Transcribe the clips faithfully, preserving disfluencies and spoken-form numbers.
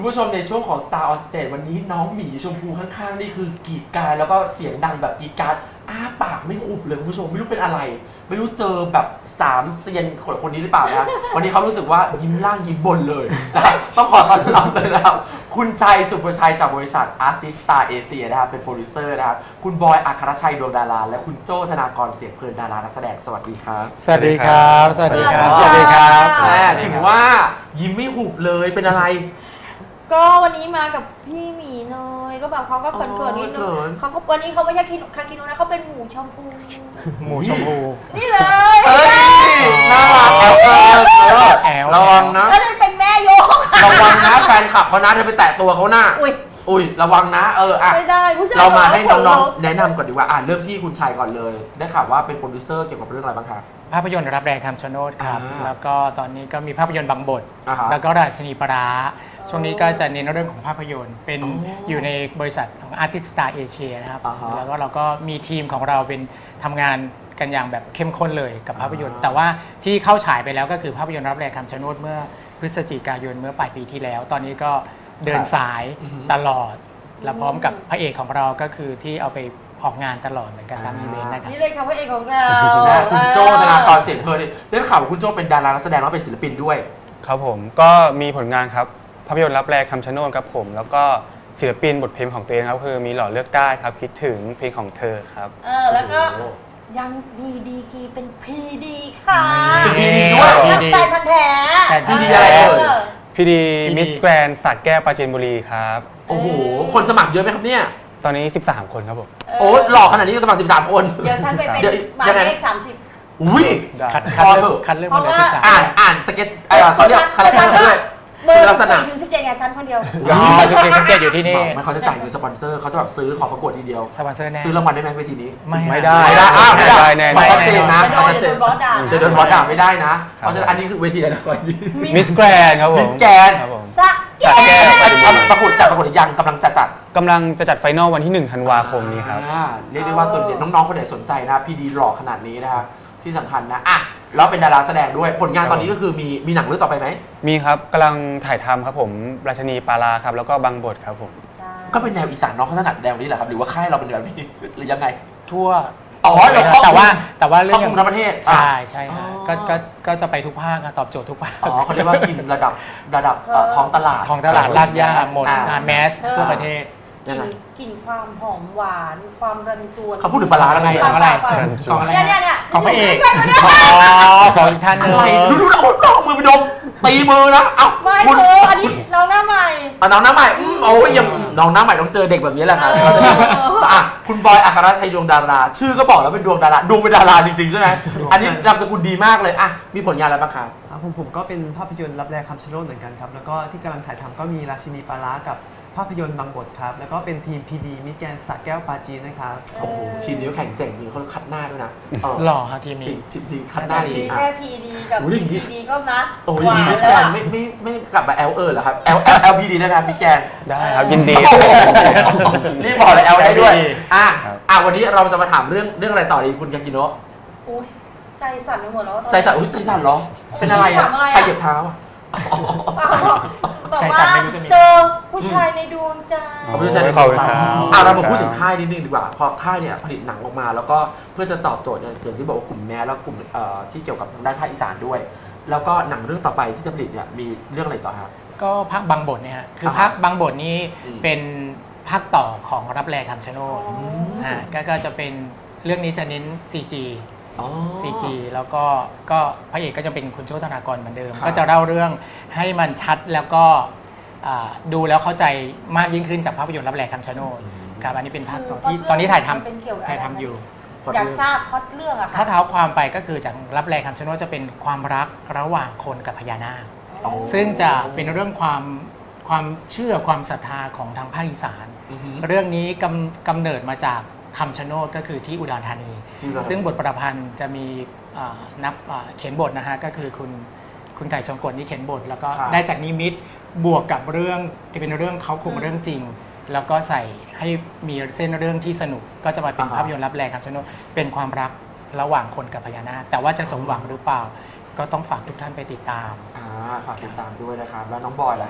คุณผู้ชมในช่วงของ Star on Stage วันนี้น้องหมีชมพูข้างๆนี่คือกรีดกรารแล้วก็เสียงดังแบบกรีดกรารอ้าปากไม่หุบเลยคุณผู้ชมไม่รู้เป็นอะไร ไม่รู้เจอแบบสามเซียนคนคนนี้หรือเปล่านะวันนี้เขารู้สึกว่ายิ้มล่างยิ้มบนเลยนะครับต้องขอต้อนรับเลยนะครับคุณชัยสุภชัยจากบริษัท Artist Star Asia นะครับเป็นโปรดิวเซอร์นะครับคุณบอยอัครชัยดวงดาราและคุณโจ้ธนากรเสียงเพลินดารานักแสดงสวัสดีครับสวัสดีครับสวัสดีครับสวัสดีครับแม่ถึงว่ายิ้มไม่หุบเลยเป็นอะไรก็วันนี้มากับพี่หมีเนยก็แบบเขาก็เขินๆนิดนึงเขาก็วันนี้เขาไม่ใช่คาคิโนะนะเขาเป็นหมูชมพูหมูชมพูนี่เลยเฮ้ยน่ารักแอลเออแอลระวังนะแล้วจะเป็นแม่โยกระวังนะแฟนคลับเขานะเธอไปแตะตัวเขาหน้าอุ้ยอุ้ยระวังนะเอออ่ะไม่ได้ผู้ชายเรามาให้น้องๆแนะนำก่อนดีกว่าอ่านเริ่มที่คุณชัยก่อนเลยได้ข่าวว่าเป็นโปรดิวเซอร์เกี่ยวกับเรื่องอะไรบ้างครับภาพยนตร์รับแรงคำชะโนดครับอ่าแล้วก็ตอนนี้ก็มีภาพยนตร์บางบทอ่าฮะแล้วก็ราชินีปลาร้าช่วงนี้ก็จะเน้นเรื่องของภาพยนตร์ เป็นอ๋อออยู่ในบริษัทของ Artist Star Asia นะครับอ่าฮะแล้วก็เราก็มีทีมของเราเป็นทำงานกันอย่างแบบเข้มข้นเลยกับภาพยนตร์อ่าแต่ว่าที่เข้าฉายไปแล้วก็คือภาพยนตร์รับแรงคำชะโนดเมื่อพฤศจิกายนเมื่อปลายปีที่แล้ว ตอนนี้ก็เดินสายอือฮึตลอด และพร้อมกับพระเอกของเราก็คือที่เอาไปออกงานตลอดเหมือนกันตามอีเวนต์นะครับนี่เลยค่ะพระเอกของเรานะคุณโจ้ธนากรเสียงเพลินได้ข่าวว่าคุณโจ้เป็นดารานักแสดงแล้วเป็นศิลปินด้วยครับผมก็มีผลงานครับภาพยนตร์รับแรงคำชะโนดครับผมแล้วก็ศิลปินบทเพลงของตัวเองครับคือมีหล่อเลือกได้ครับคิดถึงเพลงของเธอครับเออแล้วก็ยังมีดีกรีเป็นพีดีค่ะเป็น พี ดี ด้วยนักใจพันแท้พีดีอะไรเอ่ยพี่ดีพี่ดีมิสแกรนสักแก้วปราจีนบุรีครับโอ้โหคนสมัครเยอะไหมครับเนี่ยตอนนี้สิบสามคนครับผมโอ้หล่อขนาดนี้ก็สมัครสิบสามคนเดี๋ยวท่านไปเป็นเดี๋ยวหมายยังไงเลขสามสิบอุ้ยได้คัดพคัดอเลืเถอกอะคัดเลือกมาเลยเพราะว่าสิบสามอ่านอ่านสเก็ตเอ่อเขาเรียกคาแรคเตอร์ด้วยเบอร์ลักษณะสี่ถึงสิบเจ็ดเนี่ยท่านคนเดียวอ๋อสิบเจ็ดสิบเจ็ดอยู่ที่นี่ไม่เขาจะจ่ายเงินสปอนเซอร์เขาจะแบบซื้อขอประกวดทีเดียวสปอนเซอร์แน่ซื้อรางวัลได้ไหมเวทีนี้ไม่ไม่ได้ไม่ได้อ้าวไม่ได้ไม่ได้แน่ไม่ชัดเจนนะจะโดนชัดเจนจะโดนบอสด่าจะโดนบอสด่าไม่ได้นะ เพราะฉะนั้นอันนี้คือเวทีอะไรนะก่อนมิสแกรนครับผมมิสแกนครับผมสะสักแก้วปราจีนบุรีประกวดจัดประกวดยังกำลังจะจัดกำลังจะจัดไฟนอลวันที่หนึ่งธันวาคมนี้ครับอ่าเรียกได้ว่าตัวเด็กน้องๆคนไหนสนใจนะพีดีหล่อขนาดนี้นะครับที่สำคัญนะอ่ะแล้วเป็นดาราแสดงด้วยผลงานตอนนี้ก็คือมีมีหนังเรื่องต่อไปไหมมีครับกำลังถ่ายทำครับผมราชนีปาราครับแล้วก็บางบทครับผมก็เป็นแนวอีสานน้องเขาถนัดแนวนี้แหละครับหรือว่าค่ายเราเป็นแบบนี้หรือยังไงทั่วอ๋อเดี๋ยวแต่ว่าแต่ว่าเรื่คอรอบงคลุมทั้งประเทศใช่ใช่อ๋อฮะก็ก็ก็จะไปทุกภาคอะตอบโจทย์ทุกภาคอ๋อเขาเรียกว่ากินระดับระดับเอ่อท้องตลาดท้องตลาดลาดย่าหมดอ่งานแมสทั่วประเทศกลิ่นกลิ่นความหอมหวานความรันจวนเขาพูดถึงปลาร้าแล้วไงของอะไรของอะไรเนี่ยเนี่ยเนี่ยของพระเอกใช่ไหมเนี่ยอ๋อของอีกท่านหนึงอะไรดูดูเอาเอามือไปดมตีมือนะเอ้าไม่คุณเธออันนี้น้องหน้าใหม่อ่ะน้องหน้าใหม่อืมโอ้ยยังน้องหน้าใหม่ต้องเจอเด็กแบบนี้แหละครับเออเขาจะมีอ่ะคุณบอยอัครชัยดวงดารา ชื่อก็บอกแล้วเป็นดวงดาราดวงเป็นดาราจริงๆใช่ไหมอันนี้นามสกุลดีมากเลยอ่ะมีผลงานอะไรบ้างครับครับผมผมก็เป็นภาพยนตร์รับแรงคำชะโนดเหมือนกันครับ แล้วก็ที่กำลังถ่ายทำก็มีราชินีปลาร้ากับภาพยนตร์บางบทครับ แล้วก็เป็นทีมพีดีมิตรแกรนด์สระแก้วปราจีนนะครับโอ้โหทีมนี้ก็แข่งเจ๋งจริงเขาคัดหน้าด้วยนะเออหล่อฮะทีมจรินี้งจริงจริงคัดหน้าดีดีอ่ะแค่พีดีกับโอ้ยอย่างงี้พีดีก็นะโอ้ยหวานมิสแล้แกวนไม่ไม่ไม่กลับมา L เออเหรอครับ L L L P D ได้ไหมครับมิสแกนได้ครับยินดีโอ้โหรีบบอกเลย L ได้ด้วยอ่ะครับอ่ะวันนี้เราจะมาถามเรื่องเรื่องอะไรต่อดีคุณยากิโนะอุ๊ยใจสั่นไปหมดแล้วตอนนี้ใจสั่นอุ้ยใจสั่นเหรอเป็นอะไรอ่ะถามอะไรอ่ะใครเหยียบเท้าอ่ะบอกใจว่าสั่นไม่รู้จะมีเจอผู้ชายในดวงใจขอบคุณอาจารย์ขอบคุณครับอ่ะเรามาพูดถึงค่ายนิดนึงดีกว่าพอค่ายเนี่ยผลิตหนังออกมา แล้วก็เพื่อจะตอบโจทย์เนี่ยอย่างที่บอกว่ากลุ่มแมสแล้วกลุ่มเอ่อที่เกี่ยวกับทางด้านภาคอีสานด้วย แล้วก็หนังเรื่องต่อไปที่จะผลิตเนี่ยมีเรื่องอะไรต่อครับก็ภาคบางบทเนี่ยฮะคืออ่าฮะภาคบางบทนี้อืมเป็นภาคต่อของรับแรงคำชะโนดอ๋ออ่าก็ก็จะเป็นเรื่องนี้จะเน้น ซี จีอ๋อซี จี แล้วก็ก็พระเอกก็จะเป็นคุณโชธนากรเหมือนเดิมครับก็จะเล่าเรื่องให้มันชัดแล้วก็อ่าดูแล้วเข้าใจมากยิ่งขึ้นจากภาพยนตร์รับแรงคำชะโนดครับอันนี้เป็นภาคต่อที่ตอนนี้ถ่ายทเป็นเกี่ยวกับำถ่ายทำอยู่อยากทราบพล็อตเรื่องอะค่ะถ้าเท้าความไปก็คือจากรับแรงคำชะโนดจะเป็นความรักระหว่างคนกับพญานาคอ๋อซึ่งจะเป็นเรื่องความความเชื่อความศรัทธาของทางภาคอีสานอือฮึเรื่องนี้กำกำเนิดมาจากคำชะโนดก็คือที่อุดรธานีที่อุดรธานีซึ่งบทประพันธ์จะมีอ่านับอ่าเขียนบทนะฮะก็คือคุณคุณไก่ทรงกฎนี่เขียนบท แล้วก็ครับได้จากนิมิตบวกกับเรื่องที่เป็นเรื่องเขาคุมเรื่องจริง แล้วก็ใส่ให้มีเส้นเรื่องที่สนุก ก็จะมาเป็นภาพยนตร์รับแรงคำชะโนดเป็นความรักระหว่างคนกับพญานาคแต่ว่าจะสมหวังหรือเปล่า ก็ต้องฝากทุกท่านไปติดตามอ่าฝากติดตามด้วยนะครับ แล้วน้องบอยล่ะครับ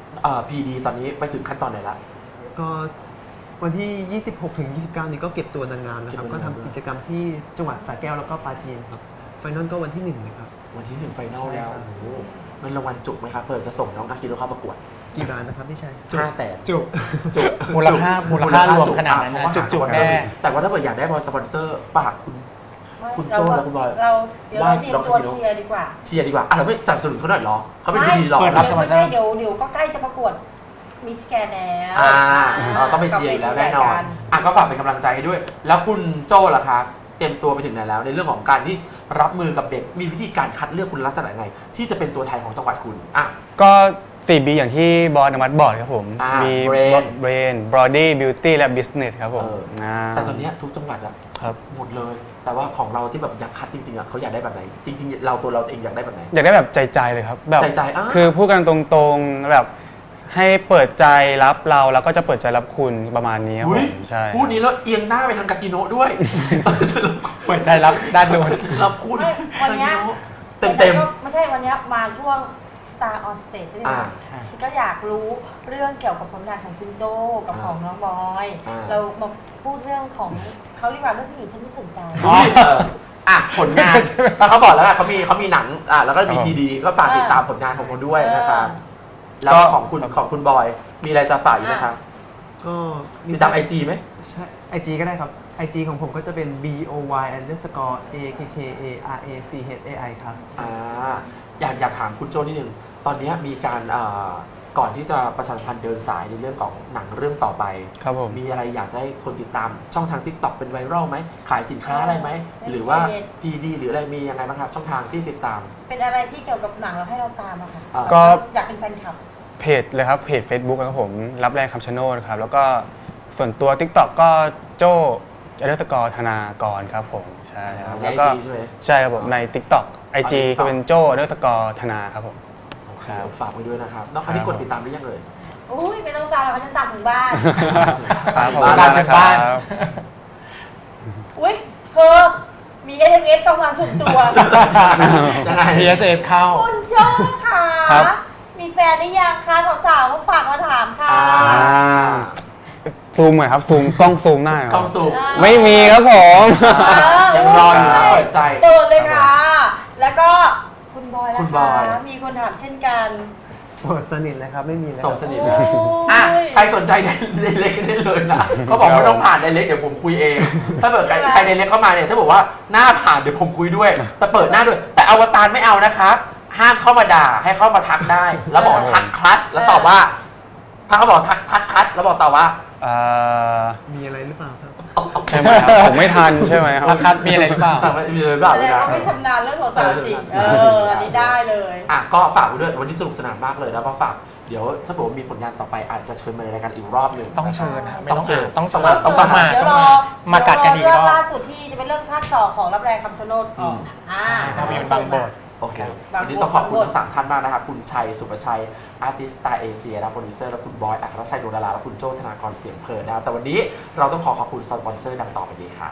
เอ่อพีดีตอนนี้ไปถึงขั้นตอนไหนละก็วันที่ ยี่สิบหกถึงยี่สิบเก้า นี้ก็เก็บตัวนางงามนะครับเก็บตัก็วนางทำงามกิจกรรมที่จังหวัดสระแก้วแล้วก็ปราจีนครับไฟนอลก็วันที่หนึ่งนะครับวันที่หนึ่งไฟนอลใช่แล้วครับโอ้โหเงินรางวัลจุกไหมครับเปิดจะส่งน้องอาคิโรเข้าประกวดกี่ล้านนะครับพี่ชัยห้าแสนจุกจุกมูลค่ามูลค่ารวมขนาดนั้นนะอ่ะจุกๆแน่แน่แต่ว่าถ้าเกิดอยากได้บอลสปอนเซอร์ฝากคุณ คุณโจ้และคุณบอยเราเดี๋ยวเราเตรียมตัวเชียร์ดีกว่าเชียร์ดีกว่าอ่ะเราไม่สนับสนุนเขาหน่อยเหรอเขาเป็นผู้ดีหรอเปิดรับสปอนเซอร์ไม่ใช่เดี๋ยวเดี๋ยวก็ใกล้จะประกวดมิสแกนแล้วอ่าเราต้องไปเชียร์อยู่แล้วแน่นอนอ่ะก็ฝากเป็นกำลังใจให้ด้วย แล้วคุณโจ้ล่ะคะเตรียมตัวไปถึงไหนแล้ว ในเรื่องของการที่รับมือกับเด็กมีวิธีการคัดเลือกคุณลักษณะไง ที่จะเป็นตัวแทนของจังหวัดคุณอ่ะก็ สี่ บี อย่างที่บอสอนุมัติบอกครับผมอ่ามีมี Brain Brain Body Beauty และ Business ครับผมเอออ่าแต่ตอนเนี้ยทุกจังหวัดอะครับหมดเลย แต่ว่าของเราที่แบบอยากคัดจริงๆอะเขาอยากได้แบบไหน จริงๆ เราตัวเราเองอยากได้แบบไหนอยากได้แบบใจๆเลยครับแบบใจๆอ่าคือพูดกันตรงๆแบบให้เปิดใจรับเราแล้วก็จะเปิดใจรับคุณประมาณนี้ครับผอุ๊ยมใช่พูดนี้แล้วเอียงหน้าไปทางกากิโนะด้วยเปิดใจรับด้านโน้นรับคุณไม่วันเนี้ยเต็มเต็มไม่ใช่วันเนี้ยมาช่วง Star on Stage ใช่ไหมอ่าคะฉันก็อยากรู้เรื่องเกี่ยวกับผลงานของคุณโจกับอ่าของน้องบอยอ่าเรามาพูดเรื่องของเขาดีกว่าเรื่องผู้หญิงฉันไม่สนใจอ๋อเอออ่ะผลงานเขาบอกแล้วอะเขามีเขามีหนังอ่ะแล้วก็มีครับพีดีก็ฝากติดตามผลงานของเขาด้วยนะครับเออแล้วก็ของคุณของคุณบอย มีอะไรจะฝากอีกไหมครับก็ติดตามไอจีไหมใช่ไอจีก็ได้ครับ ไอจีของผมก็จะเป็น b o y underscore a k k a r a c h a i ครับอ่าอยากอยากถามคุณโจนิดนึงตอนนี้มีการอ่าก่อนที่จะประชาสัมพันธ์เดินสายในเรื่องของหนังเรื่องต่อไปครับผมมีอะไรอยากจะให้คนติดตามช่องทาง TikTok เป็นไวรัลไหมขายสินค้าอะไรไหม หรือว่า พี ดี หรืออะไรมียังไงบ้างครับ ช่องทางที่ติดตามเป็นอะไรที่เกี่ยวกับหนังเราให้เราตามอะค่ะอ่าก็อยากเป็นแฟนคลับเพจเลยครับเพจ Facebook นะครับผมรับแรงคำชะโนดครับแล้วก็ส่วนตัว TikTok ก็โจ้อันเดอร์สกอร์ธนากรครับผมใช่ครับในแล้วไอก็จีใช่ไหมใช่ครับผมใน TikTok ไอจีอ๋อ TikTok ก็เป็นโจ้อันเดอร์สกอร์ธนาครับผมโอเคครับฝากไว้ด้วยนะครับน้องอันนี้กดติดตามหรือยังเลยอุ้ยไม่ต้องตามเราเขาจะตามถึงบ้านครับผมบ้านนะคบ้านรับอุ้ยเธอมีเอ เอสต้องมาสุ่มตัวยังไงพี เอส เอฟ เข้าคุณโจ้ค่ะครับมีแฟนหรือยังคะสาวๆเขาฝากมาถามค่ะอ่าซูมหน่อยครับซูมกล้องซูมหน้าหน่อยกล้องสูบอ่าไม่มีครับผมยังรออยู่นะเปิดใจโดนเลยค่ะ แล้วก็คุณบอยล่ะคุณบอยคะมีคนถามเช่นกันโสดสนิทเลยครับ ไม่มีเลยโสคดรับสนิทโอ้เลยยอ่ะใครสนใจในในเล็กได้เลยนะเขาบอกไม่ต้องผ่านในเล็กเดี๋ยวผมคุยเอง ถ้าเกิดใครใครในเล็กเข้ามาเนี่ยถ้าบอกว่าหน้าผ่านเดี๋ยวผมคุยด้วย แต่เปิดหน้าด้วย แต่อวตารไม่เอานะครับ ห้ามเข้ามาด่าให้เข้ามาทักได้ แล้วบอกทักคลัสแล้วตอบว่า ถ้าเขาบอกทักทักคลัสแล้วบอกตอบว่าเอ่อมีอะไรหรือเปล่าครับใช่ไหมครับผมไม่ทันใช่ไหมครับราคามีอะไรหรือเปล่าสั่งไม่มีเลยเปล่าแสเลดยงนะว่าไม่ชำนาญเรื่องสาวๆจริง เออ อันนี้ได้เลยอ่ะก็ฝากไว้ด้วยวันนี้สนุกสนานมากเลยแล้วก็ฝากเดี๋ยวถ้าบอกว่ามีผลงานต่อไปอาจจะเชิญมาในรายการอีกรอบหนึ่งต้องเชิญนะไม่ต้องเชิญต้องเชิญต้ต้ออง งมามาเดี๋ยวต้องรมาอมากัดกันอีกเรื่รอบล่าสุดที่จะเป็นเรื่องภาคต่อของรับแรงคำชะโนดก่อนอ่าภาพยนตร์บางบทโอเคบางบทวันนี้ต้องขอบคุณทั้งสามท่านมากนะครับ คุณชัย สุประชัย อาร์ติสต์สไตล์เอเชียและโปรดิวเซอร์ และคุณบอย อัครชัยดวงดารา และคุณโจ้ธนากรเสียงเพลินนะครับ แต่วันนี้เราต้องขอขอบคุณสปอนเซอร์ดังต่อไปนี้ครับ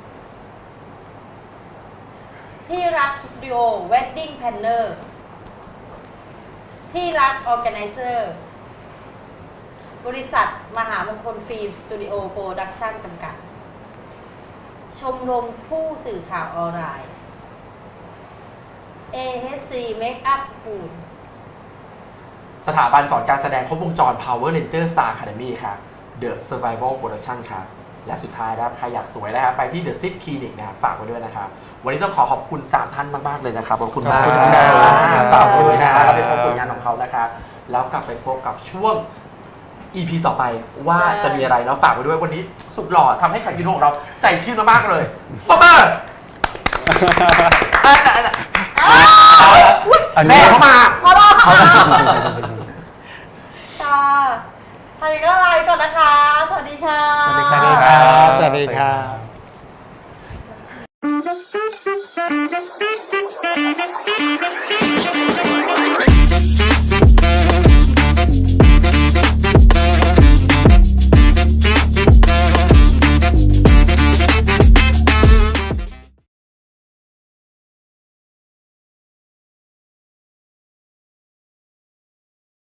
ที่รักสตูดิโอเวดดิ้งแพนเนอร์ที่รักออแกไนเซอร์บริษัทมหามงคลฟิล์มสตูดิโอโปรดักชั่นจำกัด ชมรมผู้สื่อข่าวออนไลน์ เอ เอช ซี Makeup School สถาบันสอนการแสดงครบวงจร Power Ranger Star Academy ครับ The Survival Production ครับ และสุดท้ายนะครับ ใครอยากสวยนะครับ ไปที่ The Sit Clinic นะครับฝากไว้ด้วยนะครับ วันนี้ต้องขอขอบคุณสามท่านมาก ๆ เลยนะครับ ขอบคุณมากขอบคุณครับฝากไว้ด้วยนะครับขอบเราคุณไปครับพบผลงานของเขานะครับ แล้วกลับไปพบกับช่วง อี พี ต่อไปว่าจะมีอะไรแล้วฝากไว้ด้วยวันนี้สุดหล่อทำให้คากิโนของเราใจชื่นมากๆเลยปอบเบอร์แม่เข้ามาพอรอค่ะค่ะใครก็ไลน์ก่อนนะคะ สวัสดีค่ะสวัสดีครับสวัสดีครับ Thank you.